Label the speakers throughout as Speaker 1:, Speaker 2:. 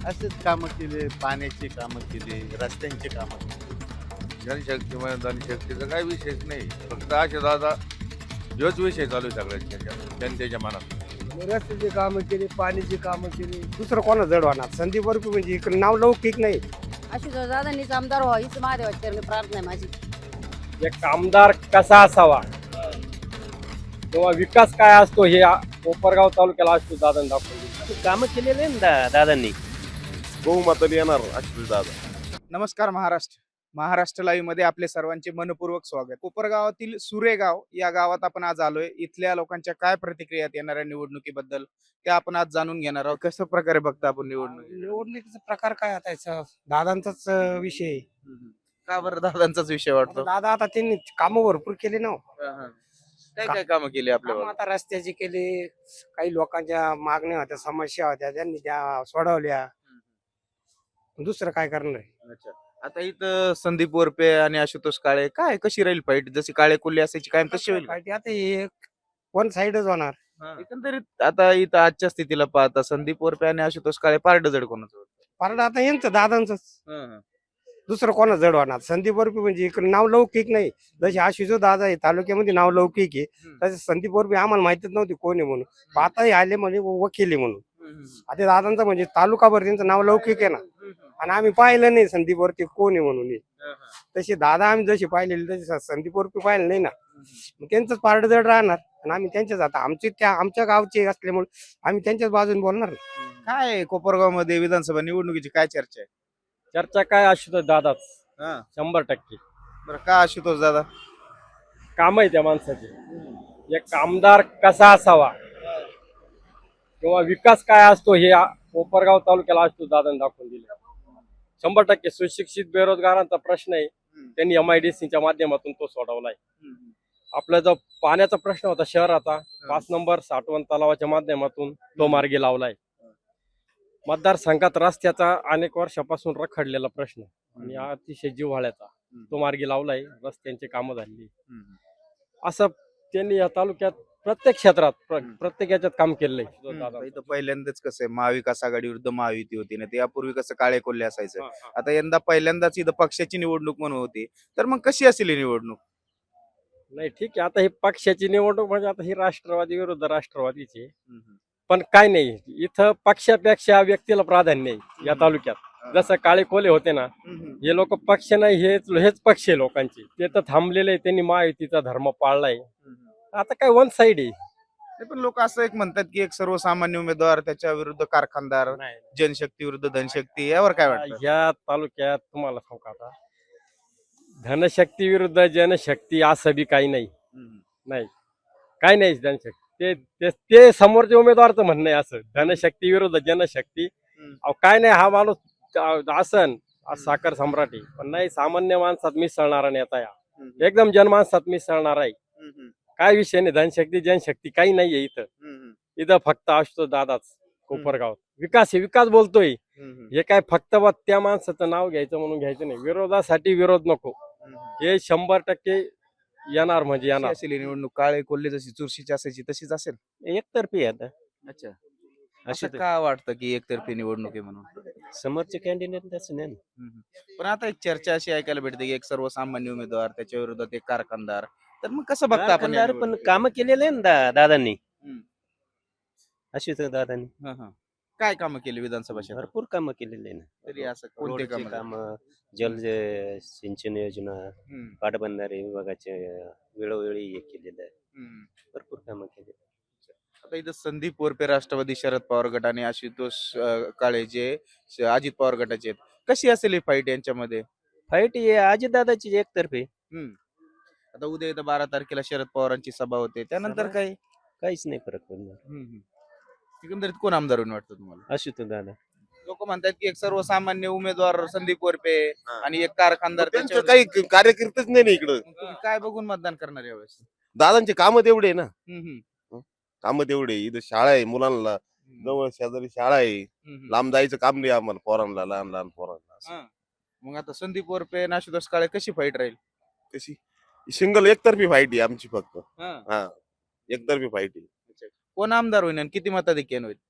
Speaker 1: असेच कामं केले, पाण्याची कामं केली, रस्त्यांची कामं केली.
Speaker 2: जनशक्ती म्हणा धनशक्तीचा काही विषयच नाही. फक्त असे दादा ह्योच विषय चालू आहे सगळ्यांच्या जनतेच्या मनात.
Speaker 3: रस्त्याची कामं केली, पाण्याची कामं केली. दुसरं कोणा जड होणार? संदीप बर्फी म्हणजे इकडे नाव लौकिक नाही.
Speaker 4: अशी दादांनीच आमदार व्हावं हीच महादेवाची चरणी प्रार्थना आहे माझी.
Speaker 5: एक आमदार कसा असावा किंवा विकास काय असतो हे कोपरगाव तालुक्याला असतो दादांनी दाखवून दिलं.
Speaker 6: कामं केलेले आहे ना दादांनी.
Speaker 7: बहुमताने येणार अश्विनी दादा.
Speaker 8: नमस्कार महाराष्ट्र. महाराष्ट्र लाईव्ह मध्ये आपले सर्वांचे मनपूर्वक स्वागत. कोपरगावातील सुरेगाव या गावात आपण आज आलोय. इथल्या लोकांच्या काय प्रतिक्रिया आहेत येणाऱ्या निवडणुकीबद्दल त्या आपण आज जाणून घेणार आहोत. कशा प्रकारे बघता आपण निवडणूक?
Speaker 3: निवडणुकीचा प्रकार काय आता याचा? दादांचाच विषय आहे.
Speaker 8: का बरं दादांचाच विषय वाटतो?
Speaker 3: दादा आता त्यांनी कामं भरपूर केली ना.
Speaker 8: काय काय कामं केली आपल्या
Speaker 3: कामं आता रस्त्याची केली, काही लोकांच्या मागण्या होत्या, समस्या होत्या, त्यांनी त्या सोडवल्या. दुसरं काय करणार आहे?
Speaker 8: अच्छा. आता इथं संदीप वरपे आणि आशुतोष काळे काय कशी राहील फाईट? जशी काळे कोल्हे असायची कायम तशी होईल का?
Speaker 3: पार्टी आता हे वन साइडच होणार.
Speaker 8: एकंदरीत आता इथं आजच्या स्थितीला पाहता संदीप वरपे आणि आशुतोष काळे पारड जड कोणाचं वाटतं?
Speaker 3: कारण आता यांचं दादांच दुसरं कोणा जड होणार? संदीप बर्फी म्हणजे इकडे नाव लौकिक नाही. जसे आशिषो दादा आहे तालुक्यामध्ये नाव लौकिक आहे, तसे संदीप बर्फी आम्हाला माहितीच नव्हती कोण आहे म्हणून. आता हे आले म्हणजे वकील आहे म्हणून. आता दादांचं म्हणजे तालुकाभर त्यांचं नाव लौकिक आहे ना. आणि आम्ही पाहिलं नाही संदीप वरती कोण आहे म्हणून हे. तसे दादा आम्ही जसे पाहिलेले तसे संदीप वरती पाहिलं नाही ना. मग त्यांचंच पारड जड राहणार आणि आम्ही त्यांच्याच आता आमच्या गावचे असल्यामुळे आम्ही त्यांच्याच बाजूने बोलणार ना.
Speaker 8: काय कोपरगाव मध्ये विधानसभा निवडणुकीची काय चर्चा आहे?
Speaker 5: चर्चा काय आशुतोष दादाच
Speaker 8: हा.
Speaker 5: 100%.
Speaker 8: बरं, का आशुतोष दादा?
Speaker 5: काम आहे त्या माणसाचे. एक आमदार कसा असावा किंवा विकास काय असतो हे कोपरगाव तालुक्याला असतो दादांनी दाखवून दिलं. 100% सुशिक्षित बेरोजगारांचा प्रश्न आहे, त्यांनी MIDCच्या माध्यमातून तो सोडवलाय. आपला जो पाण्याचा प्रश्न होता शहराचा 5 नंबर साठवण तलावाच्या माध्यमातून तो मार्गी लावलाय. मतदारसंघात रस्त्याचा अनेक वर्षापासून रखडलेला प्रश्न आणि अतिशय जिव्हाळ्याचा तो मार्गी लावलाय. रस्त्यांची कामं झाली. असं त्यांनी या तालुक्यात प्रत्येक क्षेत्रात प्रत्येक याच्यात काम केलंय.
Speaker 8: इथं पहिल्यांदाच कसं आहे महाविकास आघाडी विरुद्ध महायुती होती ना, ते यापूर्वी कसं काळे कोल्हे असायचं. आता यंदा पहिल्यांदाच इथं पक्षाची निवडणूक म्हणून होती, तर मग कशी असेल ही निवडणूक?
Speaker 5: नाही ठीक आहे, आता ही पक्षाची निवडणूक म्हणजे आता ही राष्ट्रवादी विरुद्ध राष्ट्रवादीची. पण काय नाही, इथं पक्षापेक्षा व्यक्तीला प्राधान्य आहे या तालुक्यात. जसं काळे कोले होते ना, हे लोक पक्ष नाही, हेच पक्ष आहे लोकांचे. ते तर थांबलेले, त्यांनी महायुतीचा धर्म पाळलाय. आता काय वन साइड आहे.
Speaker 8: ते पण लोक असं एक म्हणतात की एक सर्वसामान्य उमेदवार त्याच्या विरुद्ध कारखानदार, जनशक्ती विरुद्ध धनशक्ती, यावर काय वाटतं?
Speaker 5: या तालुक्यात तुम्हाला सांगू का आता, धनशक्ती विरुद्ध जनशक्ती असं बी काही नाही. नाही, काय नाही जनशक्ती. ते समोरच्या उमेदवारचं म्हणणं आहे असं, धनशक्ती विरुद्ध जनशक्ती. अहो काय नाही, हा माणूस आसन साखर सम्राट आहे, पण नाही सामान्य माणसात मिसळणारा नेता या, एकदम जनमानसात मिसळणार आहे. काय विषय नाही, धनशक्ती जनशक्ती काही नाहीये इथं. इथं फक्त असतो दादाच कोपरगावात. विकास आहे, विकास बोलतोय. हे काय फक्त त्या माणसाचं नाव घ्यायचं म्हणून घ्यायचं नाही. विरोधासाठी विरोध नको, हे 100% येणार म्हणजे येणार.
Speaker 8: असेल ही निवडणूक काळे कोल्हे जशी चुरशीची असायची तशीच असेल?
Speaker 6: एकतर्फी आहे आता.
Speaker 8: अच्छा.
Speaker 6: अशी
Speaker 8: असं का वाटतं की एकतर्फी निवडणूक आहे म्हणून?
Speaker 6: समोरचे कॅन्डिडेट तसं नाही ना.
Speaker 8: पण आता एक चर्चा अशी ऐकायला भेटते की एक सर्वसामान्य उमेदवार त्याच्या विरोधात एक कारखानदार, तर मग कसं बघता आपण या
Speaker 6: कारखानदार पण
Speaker 8: निवडणुकीत?
Speaker 6: कामं केलेले आहे ना दादांनी.
Speaker 8: हम्म.
Speaker 6: आशुतोष दादांनी
Speaker 8: हा. काय कामं केली विधानसभा क्षेत्रात?
Speaker 6: भरपूर कामं केलेले आहे ना.
Speaker 8: तरी असं कोणते
Speaker 6: रोडची
Speaker 8: काम?
Speaker 6: कामं, जल सिंचन योजना, पाटबंधारे विभागाचे वेळोवेळी हे केलेलं आहे. भरपूर कामं केली.
Speaker 8: आता इथं संदीप वरपे राष्ट्रवादी शरद पवार गट आणि आशुतोष काळे जे अजित पवार गटाचे आहेत, कशी असेल ही फाईट यांच्यामध्ये?
Speaker 6: फाईट ही अजितदादाची एकतर्फी.
Speaker 8: आता उद्या इथं 12 तारखेला शरद पवारांची सभा होते, त्यानंतर
Speaker 6: सभा?
Speaker 8: काय?
Speaker 6: काहीच नाही फरक पडणार.
Speaker 8: एकंदरीत कोण आमदार होईल वाटतं तुम्हाला?
Speaker 6: आशुतोष दादा.
Speaker 8: लोक म्हणतात की एक सर्वसामान्य उमेदवार संदीप वरपे आणि एक कारखानदार.
Speaker 7: त्यांचं
Speaker 8: त्याच्यावर-
Speaker 7: काही कार्यकर्तेच नाही ना इकडं.
Speaker 8: मग तुम्ही काय बघून मतदान करणार यावेळेस?
Speaker 7: दादांचे कामं तेवढे आहे ना.
Speaker 8: हम्म,
Speaker 7: कामं तेवढे. इथं शाळा आहे मुलांना, जवळ शेजारी शाळा आहे.
Speaker 8: हम्म.
Speaker 7: लांब जायचं काम नाही आम्हाला पोरांना, लहान लहान पोरांना असं.
Speaker 8: हा. मग आता संदीप वरपे आणि आशुतोष काळे कशी फाईट राहील?
Speaker 7: कशी सिंगल एकतर्फी फाईट आहे आमची फक्त.
Speaker 8: हा.
Speaker 7: हा, एकतर्फी फाईट आहे.
Speaker 8: कोण आमदार होईल आणि किती मताधिक्यान होईल?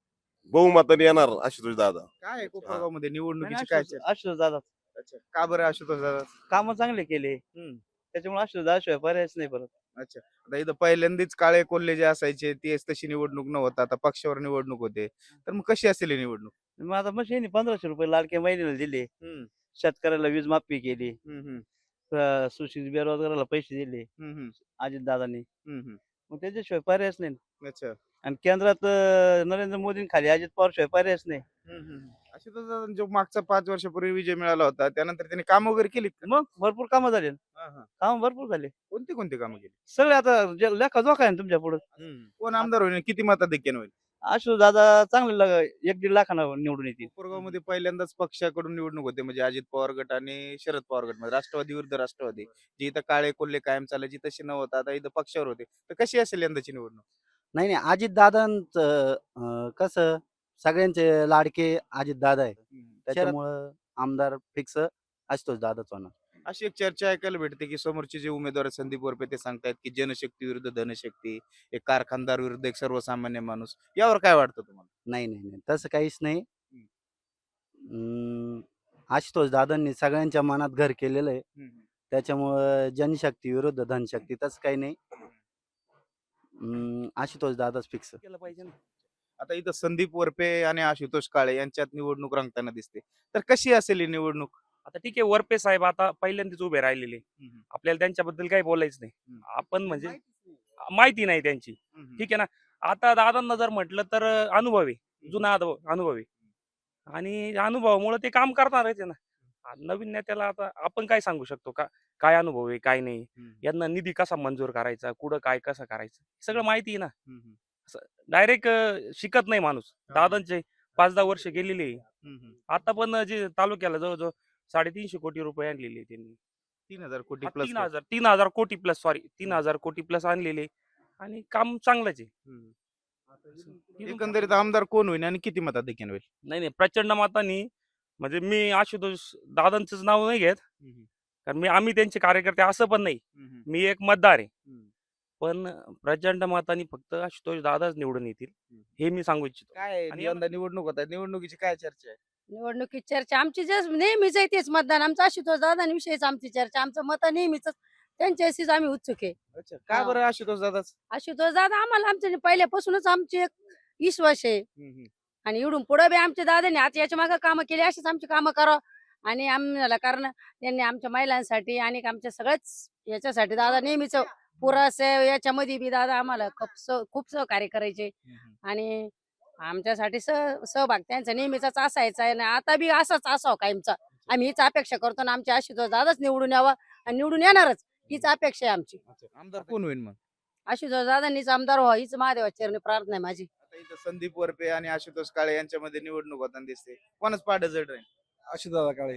Speaker 7: बहुमताने येणार आशुतोष दादा.
Speaker 8: काय आहे कोपरगाव मध्ये निवडणुकीची काय चर्चा?
Speaker 9: आशुतोष दादा
Speaker 8: अच्छा, का बरं आशुतोष दादा?
Speaker 9: काम चांगले केले त्याच्यामुळे आशुतोष दादाशिवाय पर्यायच नाही परत.
Speaker 8: अच्छा, आता इथं पहिल्यांदाच काळे कोल्हे जे असायचे तेच तशी निवडणूक नव्हतं, आता पक्षावर निवडणूक होते, तर मग कशी असेल ही निवडणूक?
Speaker 9: मग आता मशीन 1500 रुपये लाडक्या महिन्याला दिले, शेतकऱ्याला वीज माफी केली, सुशिक्षित बेरोजगाराला पैसे दिले अजित दादांनी. मग त्याच्याशिवाय पर्यायच नाही.
Speaker 8: अच्छा.
Speaker 9: आणि केंद्रात नरेंद्र मोदी खाली अजित पवार शिवाय पर्यायच नाही.
Speaker 8: आशुतोष दादा जो मागचा 5 वर्षापूर्वी विजय मिळाला होता त्यानंतर त्यांनी काम वगैरे केली?
Speaker 9: मग भरपूर कामं झाले, काम भरपूर झाले
Speaker 8: कोणती कोणती कामं केली?
Speaker 9: सगळे. आता लेखा जोखा आहे ना तुमच्या पुढे.
Speaker 8: कोण आमदार होईल, किती मताधिक्याने होईल?
Speaker 9: आशुतोष दादा चांगले 1-1.5 लाखांना निवडून येतील.
Speaker 8: कोपरगाव मध्ये पहिल्यांदाच पक्षाकडून निवडणूक होते, म्हणजे अजित पवार गट आणि शरद पवार गट मध्ये राष्ट्रवादी विरुद्ध राष्ट्रवादी, जी इथं काळे कोल्हे कायम चालायची तशी नव्हतं, आता इथं पक्षावर होते, तर कशी असेल यंदाची निवडणूक?
Speaker 10: नाही नाही, अजितदादांचं कसं सगळ्यांचे लाडके अजितदादा आहे, त्याच्यामुळं आमदार फिक्स आशुतोष दादाच होणार.
Speaker 8: अशी एक चर्चा ऐकायला भेटते की समोरचे जे उमेदवार आहेत संदीप वरपे ते सांगतायत की जनशक्ती विरुद्ध धनशक्ती, एक कारखानदार विरुद्ध एक सर्वसामान्य माणूस. यावर काय वाटतं तुम्हाला?
Speaker 10: नाही नाही नाही, तसं काहीच नाही. आशुतोष दादांनी सगळ्यांच्या मनात घर केलेलं आहे, त्याच्यामुळं जनशक्ती विरुद्ध धनशक्ती तसं काही नाही. आशुतोष दादाच फिक्स
Speaker 9: केलं पाहिजे ना.
Speaker 8: आता इथं संदीप वरपे आणि आशुतोष काळे यांच्यात निवडणूक रंगताना दिसते, तर कशी असेल ही निवडणूक?
Speaker 11: आता ठीक आहे, वरपे साहेब आता पहिल्यांदाच उभे राहिलेले, आपल्याला त्यांच्याबद्दल काही बोलायचं नाही. आपण म्हणजे माहिती नाही त्यांची, ठीक आहे ना. आता दादांना जर म्हटलं तर अनुभव आहे, जुना अनुभव आहे, आणि अनुभवामुळे ते काम करणारच आहे ना. नवीन नेत्याला आता आपण काय सांगू शकतो का, काय अनुभव आहे काय नाही, यांना निधी कसा मंजूर करायचा, कुठं काय कसं करायचं, सगळं माहिती आहे ना. डायरेक्ट शिकत नाही माणूस. दादांचे 5-10 वर्ष गेलेले, आता पण जे तालुक्याला जवळजवळ 350 कोटी रुपये आणलेले त्यांनी.
Speaker 8: 3000 कोटी प्लस.
Speaker 11: 3000 कोटी प्लस, सॉरी 3000 कोटी प्लस आणलेले, आणि काम चांगलंच आहे.
Speaker 8: एकंदरीत आमदार कोण होईल आणि किती मताधिक्याने होईल?
Speaker 11: नाही, प्रचंड मतांनी, म्हणजे मी आशुतोष दादांचंच नाव नाही घेत, कारण आम्ही त्यांचे कार्यकर्ते असं पण नाही, मी एक मतदार आहे, पण प्रचंड मतांनी फक्त आशुतोष दादाच निवडून येतील हे मी सांगू इच्छितो.
Speaker 8: काय
Speaker 11: आणि
Speaker 8: यंदा निवडणूक होत आहे, निवडणुकीची काय चर्चा आहे?
Speaker 4: निवडणुकीत चर्चा आमची जे नेहमीच आहे तेच मतदान आमचं आशुतोष दादांविषयीच आमची चर्चा, आमचं मत नेहमीच त्यांच्याशीच आम्ही उत्सुक आहे.
Speaker 8: अच्छा, का बरं आशुतोष दादाच?
Speaker 4: आशुतोष दादा आम्हाला आमच्या पहिल्यापासूनच आमची एक विश्वास आहे, आणि इकडून पुढे बी आमच्या दादांनी आता याच्या मागे कामं केली, अशीच आमची कामं करावं. आणि आम्हाला कारण त्यांनी आमच्या महिलांसाठी आणि आमच्या सगळ्याच याच्यासाठी दादा नेहमीच पुरासे याच्यामध्ये बी दादा आम्हाला खूप सहकार्य करायचे, आणि आमच्यासाठी सहभाग त्यांचा नेहमीच असायचा आहे, आणि आता बी असाच असावं कायमचा. आम्ही हीच अपेक्षा करतो ना, आमच्या आशुतोष दादाच निवडून यावा, आणि निवडून येणारच हीच अपेक्षा आहे आमची.
Speaker 8: आमदार कोण होईल मग?
Speaker 4: आशुतोष दादांनीच आमदार व्हावं हीच महादेवाच्या चरणी प्रार्थना आहे माझी.
Speaker 8: आता इथं संदीप वरपे आणि आशुतोष काळे यांच्यामध्ये निवडणूक होताना दिसते, कोणच पाठ जड राहील?
Speaker 3: आशुतोष काळे.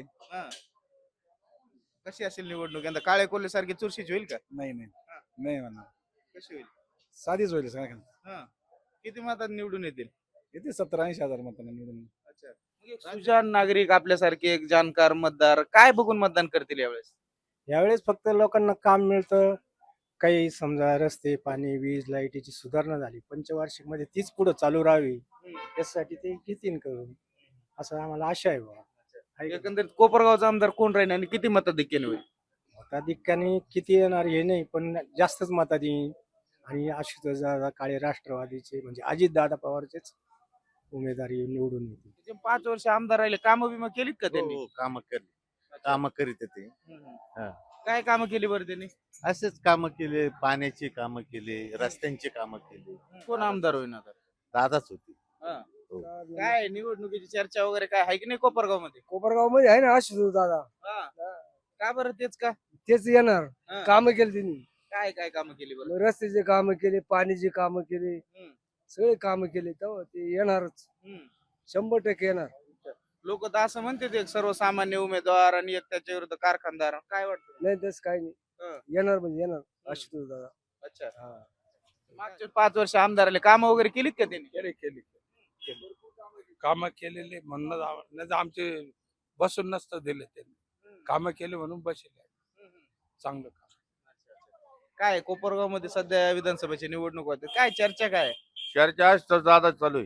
Speaker 8: कशी असेल निवडणूक यंदा? काळे कोल्हे सारखी चुरशीच होईल का?
Speaker 3: नाही नाही नाही म्हणणार,
Speaker 8: कशी होईल?
Speaker 3: साधीच होईल सगळ्यांना.
Speaker 8: किती मतात निवडून येतील?
Speaker 3: येते 70-80 हजार मतांना निवडून.
Speaker 8: अच्छा, मग एक सुजाण नागरिक आपल्यासारखे एक जाणकार मतदार काय बघून मतदान करतील यावेळेस?
Speaker 3: यावेळेस फक्त लोकांना काम मिळतं, काही समजा रस्ते पाणी वीज लाईटीची सुधारणा झाली पंचवार्षिक मध्ये, तीच पुढे चालू राहावी यासाठी ते घेतील करून, असं आम्हाला आशा आहे बाबा.
Speaker 8: एकंदरीत कोपरगावचा आमदार कोण राहील आणि किती मताधिक्याने होईल?
Speaker 3: मताधिक्याने किती येणार हे नाही, पण जास्तच मतात येईल. आणि आशुतोष दादा काळे राष्ट्रवादीचे म्हणजे अजित दादा पवारचेच उमेदवारी निवडून येतील.
Speaker 8: ते 5 वर्ष आमदार राहिले, कामं बिमं केलीत का त्यांनी?
Speaker 1: हो, कामं करीत ते.
Speaker 8: काय कामं केली बरं त्यांनी?
Speaker 1: असेच कामं केले, पाण्याची कामं केली, रस्त्यांची कामं केली.
Speaker 8: कोण आमदार होईल आता?
Speaker 1: दादाच होती.
Speaker 8: काय निवडणुकीची चर्चा वगैरे काय आहे की नाही कोपरगाव मध्ये?
Speaker 3: कोपरगाव मध्ये आहे ना आशुतोष दादा,
Speaker 8: का बरं तेच का?
Speaker 3: तेच येणार. कामं केली त्यांनी,
Speaker 8: काय काय कामं केली बरं?
Speaker 3: रस्त्याचे कामं केले, पाण्याची कामं केली, सगळे कामं केले, तेव्हा ते येणारच, 100% येणार.
Speaker 8: लोक तर असं म्हणते ते सर्वसामान्य उमेदवार आणि एक त्याच्या विरुद्ध कारखानदार, काय वाटतं?
Speaker 3: नाही तसं काही नाही, येणार म्हणजे येणार आशुतोष दादा.
Speaker 8: अच्छा, मागचे 5 वर्ष आमदार आले, कामं वगैरे केलीत का त्यांनी?
Speaker 12: केली कामं केलेले म्हणून आमचे बसून नसतं दिले, त्यांनी कामं केले म्हणून बसले, चांगलं काम.
Speaker 8: काय कोपरगाव मध्ये सध्या विधानसभेची निवडणूक होते, काय चर्चा काय?
Speaker 2: चर्चा आज तर दादा चालू आहे.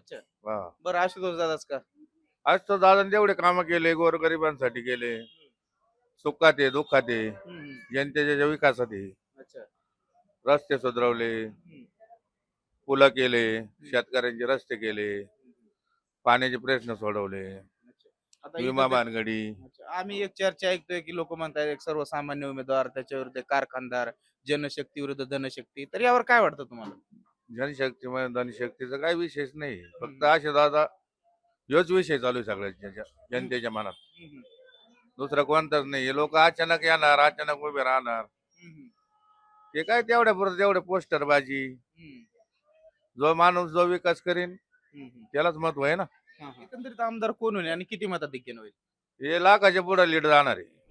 Speaker 8: अच्छा
Speaker 2: हा.
Speaker 8: बरं आशुतोष दादाच का
Speaker 2: आज तर दादा तेवढे कामं केले, गोरगरिबांसाठी केले, सुखात आहे दुःखात आहे, जनतेच्या विकासात आहे.
Speaker 8: अच्छा
Speaker 2: रस्ते सुधारवले, पुलं केले, शेतकऱ्यांचे रस्ते केले, पाण्याचे प्रश्न सोडवले,
Speaker 8: आता इथं
Speaker 2: विमा
Speaker 8: ते-
Speaker 2: बांधगडी.
Speaker 8: अच्छा. आम्ही एक चर्चा ऐकतोय की लोक म्हणतात एक सर्वसामान्य उमेदवार त्याच्या विरुद्ध कारखानदार जनशक्ती विरुद्ध धनशक्ती तर यावर काय वाटतं तुम्हाला
Speaker 2: जनशक्ती धनशक्तीचा काही विशेष नाही. फक्त असे दादा ह्योच विषय चालू आहे सगळ्यांच्या जनतेच्या मनात. दुसरा कोणताच नाही. हे लोक अचानक येणार, अचानक उभे राहणार. ते काय तेवढ्या पुरतं तेवढे पोस्टर बाजी. जो माणूस जो विकास करीन त्यालाच महत्व आहे ना.
Speaker 8: एकंदरीत आमदार कोण होईल आणि किती मताधिक्याने होईल
Speaker 2: हे लाखाच्या पुढे लीड जाणार आहे.